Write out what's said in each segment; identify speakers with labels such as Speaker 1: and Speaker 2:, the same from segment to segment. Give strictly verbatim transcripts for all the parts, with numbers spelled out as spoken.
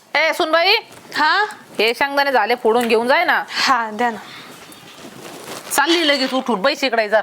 Speaker 1: ए सुनबाई,
Speaker 2: हा
Speaker 1: हे शेंगदाणे झाले फोडून घेऊन जाय ना.
Speaker 2: हा द्या ना.
Speaker 1: चालली लगेच उठून बैस इकडे जा.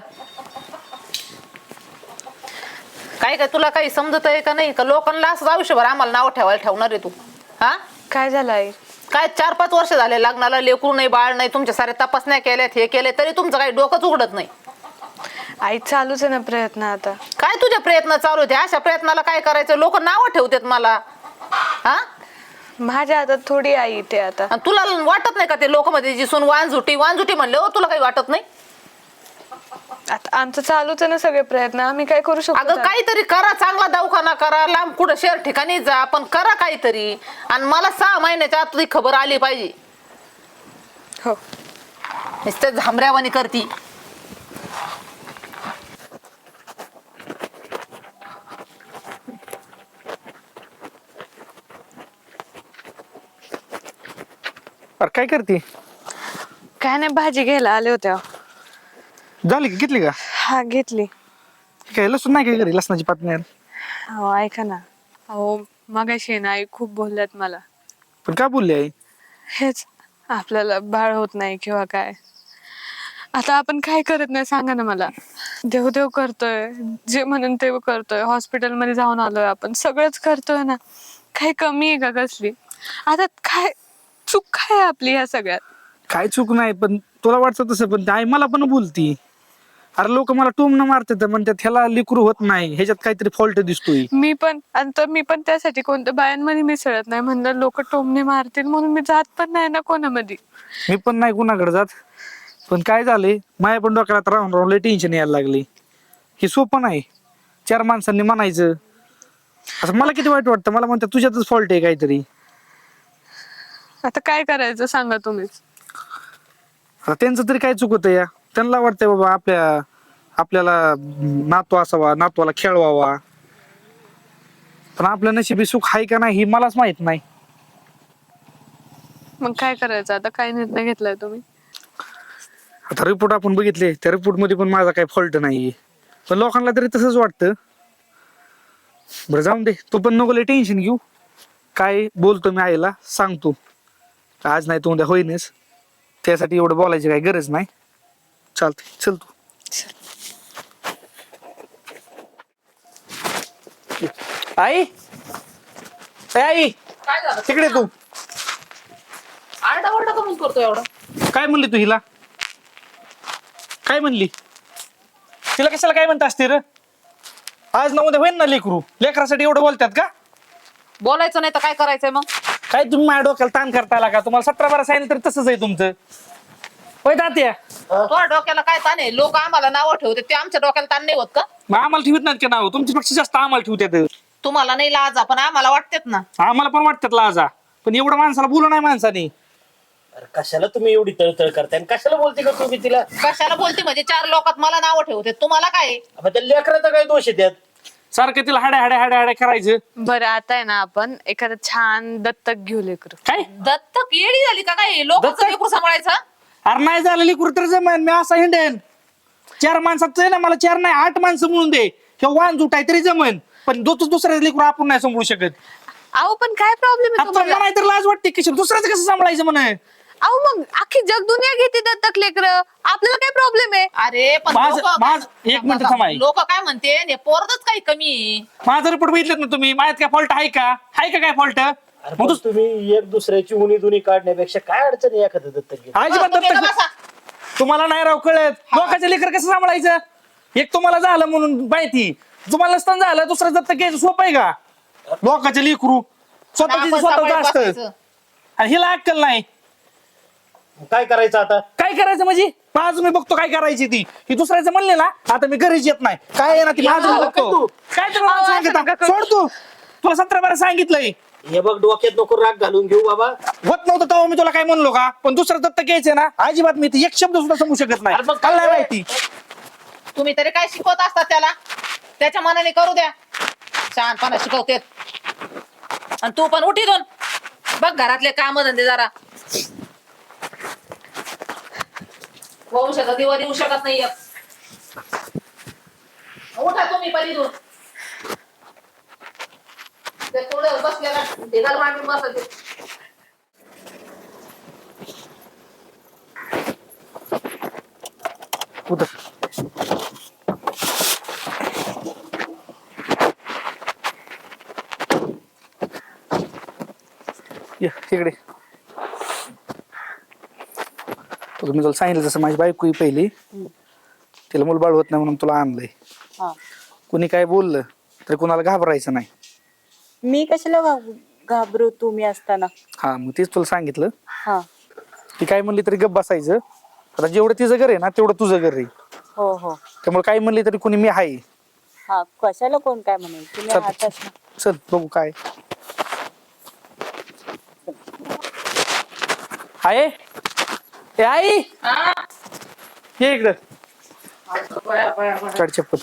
Speaker 1: काय काय तुला काही समजत आहे का नाही? का लोकांना असं आयुष्यभर आम्हाला नाव ठेवायला ठेवणार आहे तू? हा
Speaker 2: काय झालं आई?
Speaker 1: काय चार पाच वर्ष झाले लग्नाला, लेकरू नाही बाळ नाही, तुमच्या सारे तपासण्या केल्यात, हे केले तरी तुमचं काही डोकंच उघडत नाही.
Speaker 2: आई चालूच आहे ना प्रयत्न आता.
Speaker 1: काय तुझे प्रयत्न चालू होते? अशा प्रयत्नाला काय करायचं? लोक नाव ठेवतात मला. हा
Speaker 2: माझ्या हातात थोडी आई ते आता.
Speaker 1: आणि तुला वाटत नाही का ते लोक मध्ये जी सून वांझुटी वांझुटी म्हणले हो, तुला काही वाटत नाही?
Speaker 2: आता आमचं चालूच आहे ना सगळे प्रयत्न, आम्ही काय करू शकतो?
Speaker 1: अगं काहीतरी करा, चांगला दवाखाना करा, लांब कुठं शहर ठिकाणी जा, पण करा काहीतरी. आणि मला सहा महिन्याच्या आत तुझी खबर आली पाहिजे.
Speaker 2: हो
Speaker 1: नुसतं झांबऱ्यावानी करती.
Speaker 3: अरे काय करते?
Speaker 2: काय नाही, भाजी घ्यायला आले होते.
Speaker 3: झाली का? घेतली का?
Speaker 2: हा घेतली.
Speaker 3: काय लसूण नाही काय घरी? लसणाची पात नाही.
Speaker 2: हो ऐका ना, हो मगाशी ना आई खूप बोलल्यात मला.
Speaker 3: पण का बोलली आई?
Speaker 2: हेच आपल्याला बाळ होत नाही किंवा काय. आता आपण काय करत नाही सांगा ना मला. देव देव करतोय, जे म्हणून ते करतोय, हॉस्पिटलमध्ये जाऊन आलोय आपण, सगळंच करतोय ना. काही कमी आहे का कसली? आता काय चूक काय आहे आपली ह्या सगळ्यात?
Speaker 3: काय चूक नाही, पण तुला वाटतं तसं, पण आई मला पण बोलती. अरे लोक मला टोमणं मारतात, म्हणतात ह्याला लेकरू होत नाही, ह्याच्यात काहीतरी फॉल्ट दिसतोय.
Speaker 2: मी पण आणि तर मी पण त्यासाठी कोणत्या बायांमध्ये मिसळत नाही. म्हणलं लोक टोमणे मारतील म्हणून मी जात पण नाही ना कोणामध्ये.
Speaker 3: मी पण नाही कुणाकडे जात. पण काय झालंय, माझ्या पण डोक्याला राहून राहून लय टेन्शन यायला लागली. हे सोपं नाही. चार माणसांनी म्हणायचं, असं मला किती वाईट वाटतं. मला म्हणतात तुझ्यातच फॉल्ट आहे काहीतरी.
Speaker 2: आता काय करायचं सांगा तुम्हीच.
Speaker 3: आता त्यांचं तरी काय चुकत या? त्यांना वाटतंय बाबा आपल्या आपल्याला नातू असावा, नातवाला खेळवावा. पण आपल्या नशिबी सुख आहे का नाही हे मलाच माहित नाही.
Speaker 2: मग काय करायचं आता? काय निर्णय घेतलाय तुम्ही?
Speaker 3: आता रिपोर्ट आपण बघितले, त्या रिपोर्ट मध्ये पण माझा काही फॉल्ट नाहीये. पण लोकांना तरी तसंच वाटतं. बरं जाऊन दे, तू पण नको लय टेन्शन घेऊ. काय बोलतो मी आईला सांगतो, आज नाही तू उद्या होईनच. त्यासाठी एवढं बोलायची काही गरज नाही. चालतंय, चल तू. आई ए आई,
Speaker 1: काय झालं?
Speaker 3: तिकडे तू
Speaker 1: आरडा ओरडा कमी करतो एवढं?
Speaker 3: काय म्हणली तू हिला? काय म्हणली तिला? कशाला काय म्हणत असते र? आज ना उद्या होईन ना लेकरू. लेकरासाठी एवढं बोलतात का?
Speaker 1: बोलायचं नाही तर काय करायचंय मग?
Speaker 3: काय तुम्ही माझ्या डोक्याला ताण करताय का? तुम्हाला सतरा बारा सांगितलं तर तसंच आहे तुमचं. होय तात्या?
Speaker 1: तुझ्या डोक्याला काय ताण आहे? लोक आम्हाला नावं ठेवते, ते आमच्या डोक्याला ताण नाही होत का?
Speaker 3: मग आम्हाला ठेवत नाहीत का नाव? तुमच्यापेक्षा जास्त आम्हाला ठेवतात.
Speaker 1: तुम्हाला नाही लाजा, पण आम्हाला वाटतेत ना.
Speaker 3: आम्हाला पण वाटतात लाजा, पण एवढं माणसाला बोलू नाही माणसाने.
Speaker 4: अरे कशाला तुम्ही एवढी तळतळ करताय आणि कशाला बोलते का तुम्ही तिला?
Speaker 1: कशाला बोलते म्हणजे? चार लोकात मला नावं ठेवते, तुम्हाला काय?
Speaker 4: आपण त्या लेकराचा काय दोष आहे त्यात?
Speaker 3: सारखं तिला हाड्या हाड्या हाड्या हाड्या करायचं.
Speaker 2: बरं आता आहे ना, आपण एखादं छान दत्तक घेऊ लेकरू.
Speaker 3: काय
Speaker 1: दत्तक येडी झाली का काय? लोकांचं
Speaker 3: दत्तक?
Speaker 1: लेकरू सांभाळायचं?
Speaker 3: अरे नाही झालं लेकरू तर जमेन. मी असा हिंडेन चार माणसात ना, मला चार नाही आठ माणसं म्हणून दे. किंवा वाण जुटाय तरी जमेन, पण दोच दुसऱ्या लेकरू आपण नाही सांभाळू शकत.
Speaker 2: अहो पण काय प्रॉब्लेम आहे
Speaker 3: आता
Speaker 2: तुम्हाला?
Speaker 3: नाही तर लाज वाटते की दुसऱ्याचं कसं सांभाळायचं म्हणे.
Speaker 2: अहो मग अख्खी जग दुनिया घेते दत्तक लेकर, आपल्याला काय प्रॉब्लेम आहे?
Speaker 1: अरे पण
Speaker 3: माझं- माझं- एक मिनिट थांबा.
Speaker 1: लोक काय म्हणते, हे पोरतच काही कमी आहे.
Speaker 3: माझा रिपोर्ट बघितलं ना तुम्ही? माझ्यात काय फॉल्ट आहे का? आहे का काय फॉल्ट?
Speaker 4: अरे पण तुम्ही एक दुसऱ्याची उणी दुनी काढण्यापेक्षा काय अडचण आहे एखादं दत्तक घेऊन?
Speaker 3: अजिबात
Speaker 1: तुम्ही
Speaker 3: दत्तक-
Speaker 1: बसा.
Speaker 3: तुम्हाला नाही राव कळत. लोकांचं लेकर कसं सांभाळायचं? एक तुम्हाला झालं म्हणून माहिती, तुम्हाला नसताना झालं दुसरं दत्तक घ्यायचं सोपं आहे का? लोकांचे लेकरू स्वतःच
Speaker 1: आपण
Speaker 3: स्वतःच
Speaker 1: सांभाळून
Speaker 3: असतं
Speaker 1: बसायचं.
Speaker 3: आणि हिला अक्कल नाही.
Speaker 4: काय करायचं आता?
Speaker 3: काय करायचं म्हणजे? माझं मी बघतो काय करायची ती. ही दुसऱ्याचं म्हणले ना, आता मी घरीच येत नाही. काय आहे ना ती माझं
Speaker 4: झालं
Speaker 3: बघतो.
Speaker 4: काय तू?
Speaker 3: काय तर मला सांगत आहे? सोड तू. तुला सतरा बारा सांगितलंय.
Speaker 4: हे बघ डोक्यात नको राग घालून घेऊ बाबा.
Speaker 3: होत नव्हतं तेव्हा मी तुला काय म्हणलो का? पण दुसरं दत्तक घ्यायचंय ना, अजिबात मी ते एक शब्द सुद्धा समजू शकत नाही.
Speaker 4: अरे मग
Speaker 3: मला नाही
Speaker 4: काय?
Speaker 3: माहिती.
Speaker 1: तुम्ही तरी काय शिकवत असतात त्याला? त्याच्या मनाने करू द्या. शहाणपणा शिकवते. आणि तू पण उठी दोन बघ घरातले काम धंदे जरा. होऊ शकत दिवा देऊ शकत नाही. उठा तुम्ही पण इथून. ते थोडं बसलेला ढिगाल मांडून बसायचे.
Speaker 3: उतर. ये इकडे. तुला मी तुला सांगितलं तसं माझी बायको ही पहिली तिला मुलबाळ होत नाही म्हणून तुला आणलंय.
Speaker 5: हा.
Speaker 3: कुणी काय बोललं तर कुणाला घाबरायचं नाही.
Speaker 5: मी कशाला घाब- घाबरू तुम्ही असताना.
Speaker 3: हा मग तेच तुला सांगितलं.
Speaker 5: हा.
Speaker 3: ती काय म्हणली तरी गप्प बसायचं. आता जेवढं तिचं घर आहे ना तेवढं तुझं घर आहे.
Speaker 5: हो हो.
Speaker 3: त्यामुळे काय म्हणली तरी कुणी मी आहे.
Speaker 5: हा कशाला कोण काय म्हणेल तुम्ही
Speaker 3: चल.
Speaker 5: आहातच ना.
Speaker 3: चल बघू काय आहे. ए आई ये इकडं. काढ चप्पल.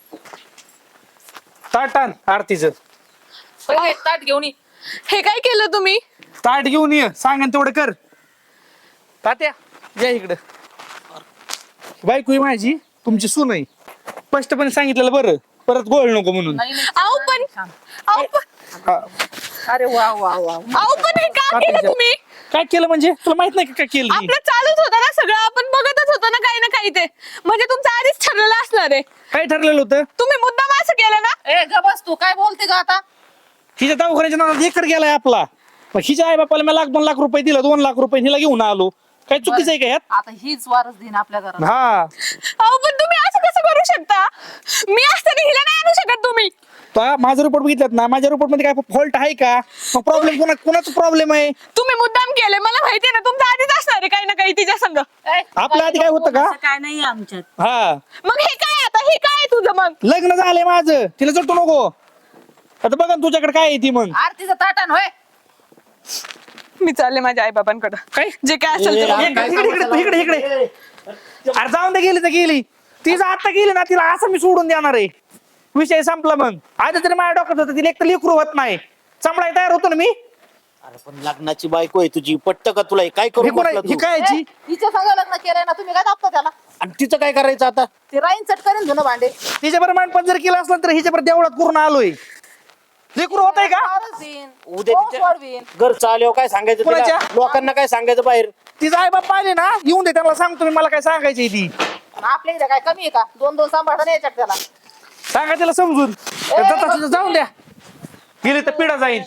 Speaker 3: ताट आण आरतीचं.
Speaker 1: पहिले ताट घेऊन ये.
Speaker 2: हे काय केलं तुम्ही?
Speaker 3: ताट घेऊन ये. सांग आणि तेवढं कर. तात्या या इकडं. बायको आहे माझी तुमची सून आहे. स्पष्टपणे सांगितलेलं बरं परत गोळ नको म्हणून.
Speaker 1: नाही, नाही.
Speaker 2: आहो पण आहो पण
Speaker 3: हा.
Speaker 1: अरे वा वा वा.
Speaker 2: आहो पण हे का केलं तुम्ही?
Speaker 3: काय केलं म्हणजे तुला माहित नाही का काय केलं मी?
Speaker 2: आपलं चालूच होतं ना सगळं, आपण बघतच होतो ना काही ना काही. ते म्हणजे तुमचं आधीच ठरलेलं असणार आहे.
Speaker 3: काय ठरलेलं होतं?
Speaker 2: तुम्ही मुद्दाम असं केलं ना.
Speaker 1: ए ग बस तू काय बोलते का आता?
Speaker 3: हिच्या दवाखान्याच्या नावात एकर गेलाय आपला. मग हिच्या आई बापाला मी लाख दोन लाख रुपये दिला. दोन लाख रुपये हिला घेऊन आलो. काय चुकीचं आहे का यात?
Speaker 1: आता हीच वारस दिन आपल्या घरात.
Speaker 3: हा
Speaker 2: अहो पण तुम्ही असं कसं करू शकता? मी असताना हिला नाही आणू शकत तुम्ही.
Speaker 3: तो माझा रिपोर्ट बघितलात ना. माझ्या रिपोर्ट मध्ये काय फॉल्ट आहे का? मग प्रॉब्लेम कोणा कोणाचा प्रॉब्लेम आहे?
Speaker 2: तुम्ही मुद्दाम केले मला माहिती ना. तुमचं आधीच असणार आहे काही ना काही तिच्या संग.
Speaker 1: ए,
Speaker 3: आपल्या आधी काय होतं का?
Speaker 5: असं काय नाही आमच्यात.
Speaker 3: हा
Speaker 2: मग हे काय आता? हे काय आहे तुझं मग?
Speaker 3: लग्न झालंय माझं. तिला जटू नको. आता बघा ना तुझ्याकडे काय आहे ती मग.
Speaker 1: आरतीचं ताटान होय.
Speaker 2: मी चालले माझ्या आई बाबांकडे.
Speaker 3: काय
Speaker 2: जे काय असेल ते
Speaker 4: ए,
Speaker 2: बघा.
Speaker 3: इकडे इकडे इकडे इकडे इकडे. अरे जाऊन दे. गेली तर गेली. तिचं आता गेली ना तिला असं मी सोडून देणार आहे. विषय संपला. मग आधी तरी माझ्या डोक्यात होतं तिला एक तर लेकरू होत नाही. सांभाळायला तयार होतो ना मी.
Speaker 4: अरे पण लग्नाची बायको आहे तुझी. पट्ट का तुला हे? काय
Speaker 3: हे
Speaker 4: करू
Speaker 3: कोण आहे?
Speaker 4: म्हटलं
Speaker 3: हे
Speaker 4: तू?
Speaker 3: काय याची?
Speaker 1: ए, हिच्या संग लग्न केलंय ना तुम्ही. काय दाबता त्याला?
Speaker 4: आणि तिचं काय करायचं आता?
Speaker 1: ते राईन चट करेन धुणं भांडे.
Speaker 3: तिच्या बरोबर मांडपण जर केलं असलं तर हिच्या बरोबर देवळात करून आलोय. लेकरू होत आहे का?
Speaker 1: वारस दिन.
Speaker 4: उद्या
Speaker 1: वंश
Speaker 4: तिच्या
Speaker 1: वाढवीन.
Speaker 4: घर चालव काय सांगायचं तिला?
Speaker 3: कोणाच्या?
Speaker 4: लोकांना काय सांगायचं बाहेर?
Speaker 3: तिचा आई बाप आले ना येऊन दे. त्यांना सांगतो मी मला काय सांगायची ती.
Speaker 1: आपल्या इथे काय कमी आहे का? दोन दोन सांभाळता यायच्यात त्याला.
Speaker 3: सांगा तिला समजून. जात असलं तर जाऊन द्या. गेली तर पिढा जाईल.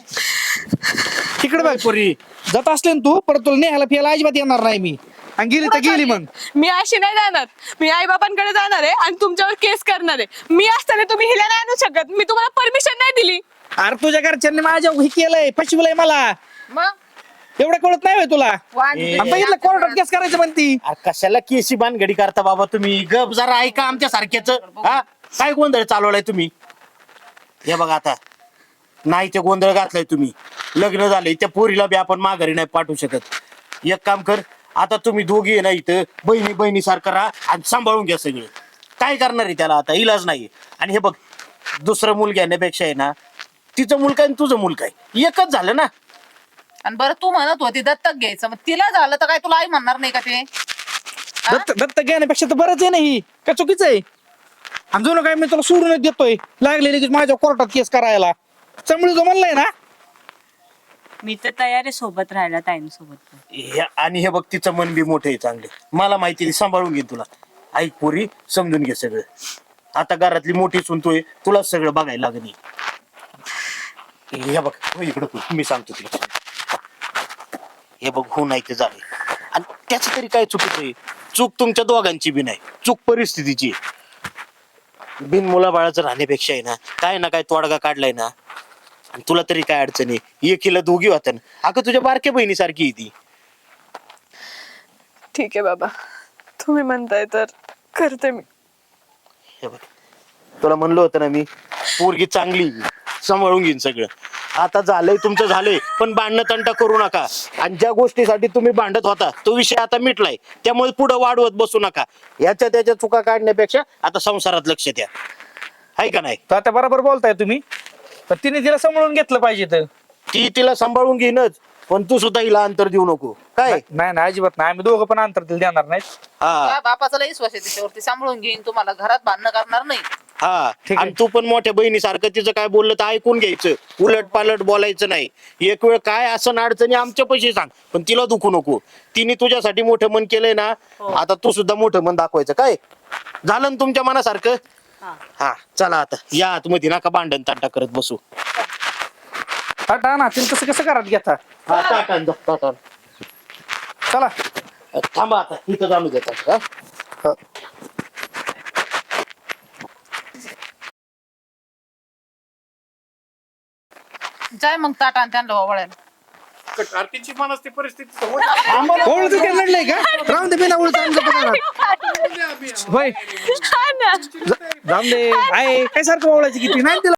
Speaker 3: तिकडे बघ पोरी. जात असले ना तू परत तुला नेहाला फिरायला अजिबात येणार नाही मी. आणि गेली तर गेली मग.
Speaker 2: मी अशी नाही जाणार. मी आई बाबांकडे जाणार आहे आणि तुमच्यावर केस करणार आहे. मी असताना तुम्ही हिला नाही आणू शकत. मी तुम्हाला परमिशन नाही दिली.
Speaker 3: अरे तुझ्या घरच्यांनी माझ्या हे केलंय. फसवलंय मला.
Speaker 1: मग
Speaker 3: एवढं कळत नाही होय तुला?
Speaker 1: वांजी
Speaker 3: आणि बघितलं कोर्टात केस करायचं म्हणती.
Speaker 4: अरे कशाला केसी बांधगडी करता बाबा तुम्ही? गप जरा ऐका आमच्या सारख्याच. हा काय गोंधळ चालवलाय तुम्ही? हे बघा आता नाही ते गोंधळ घातलाय तुम्ही. लग्न झालंय त्या पोरीला बी आपण माघारी नाही पाठवू शकत. एक काम कर आता तुम्ही दोघी आहे ना इथं बहिणी बहिणी सारखं राहा आणि सांभाळून घ्या सगळे. काय करणार आहे त्याला आता? इलाज नाही. आणि हे बघ दुसरं मुल घेण्यापेक्षा आहे ना तिचं मुलगा आणि तुझं मुलगा आहे एकच झालं ना.
Speaker 1: आणि बरं तू म्हणत होती दत्तक घ्यायचं. मग तिला झालं तर काय तुला आई म्हणणार नाही का ते? हा?
Speaker 3: दत्त दत्त घेण्यापेक्षा तर बरंच आहे नाही. काय चुकीचं आहे? आणि जुनं काय मी तुला सोडूनच देतोय. लागलेली माझ्या कोर्टात केस करायला. चमळी जो म्हणलाय ना.
Speaker 5: मी तर तयार आहे सोबत राहायला ताईंसोबत.
Speaker 4: हे- आणि हे बघ तिचं मन बी मोठं आहे चांगले. मला माहिती आहे, ती सांभाळून घे तुला. ऐक पोरी समजून घे सगळं. आता घरातली मोठी सुनतोय तुला सगळं बघायला लागणी. हे बघ हो इकडं तू. मी सांगतो तुला. हे बघ हो नाही ते झाले. आणि त्याच तरी काय चुकीचं आहे? चूक तुमच्या दोघांची बी नाही. चूक परिस्थितीची आहे. बिन मुलाबाळाचं राहण्यापेक्षा आहे ना काय ना काय तोडगा काढलाय ना. आणि तुला तरी काय अडचण आहे? एकीला दोघी होत्या ना. अगं तुझ्या बारक्या बहिणीसारखी आहे ती.
Speaker 2: ठीक आहे बाबा. तुम्ही म्हणताय तर करते मी.
Speaker 4: हे बघ तुला म्हणलं होतं ना मी पोरगी चांगली सांभाळून घेईन सगळं. आता झालंय तुमचं झालंय पण भांडणं तंटा करू नका. आणि ज्या गोष्टीसाठी तुम्ही भांडत होता तो विषय आता मिटलाय. त्यामुळे पुढे वाढवत बसू नका. याच्या त्याच्या चुका काढण्यापेक्षा आता संसारात लक्ष द्या. आहे का नाही?
Speaker 3: तर आता बरोबर बोलताय तुम्ही. पण तिने तिला सांभाळून घेतलं पाहिजे तर.
Speaker 4: ती तिला सांभाळून घेईनच पण तू सुद्धा हिला अंतर देऊ नको. काय
Speaker 3: नाही नाही अजिबात नाही. आम्ही दोघं पण अंतर तिला देणार नाही.
Speaker 4: हा
Speaker 1: त्या बापाचा लई विश्वास आहे तिच्यावरती. सांभाळून घेईन तुम्हाला. घरात भांडणं करणार नाही.
Speaker 4: हा
Speaker 3: ठीक आहे.
Speaker 4: आणि तू पण मोठ्या बहिणीसारखं तिचं काय बोललं तर ऐकून घ्यायचं, उलट पालट बोलायचं नाही. एक वेळ काय असं अडचणी आमच्या पैसे सांग, पण तिला दुखू नको. तिने तुझ्यासाठी मोठं मन केलंय ना, आता तू सुद्धा मोठं मन दाखवायचं. काय झालं ना तुमच्या मनासारखं? हा चला आता या आतमध्ये, नका भांडण ताटा करत बसू.
Speaker 3: टाटा ना तिला तसं कसं करत घेता.
Speaker 4: हा ताटा आण, जा, ताटा आण.
Speaker 3: चला
Speaker 4: थांबा आता इथं जाणू देतात हा.
Speaker 3: हा.
Speaker 1: जाय मग ताटा आणि त्यांना वळायला.
Speaker 6: आरतीची मनस्ती परिस्थिती समोर
Speaker 3: ओळख काय लढलंय का? राहून दे बिना ओळख होय
Speaker 2: हा ना.
Speaker 3: जाऊन दे आहे काय सारखं ओळायची किती नाही तिला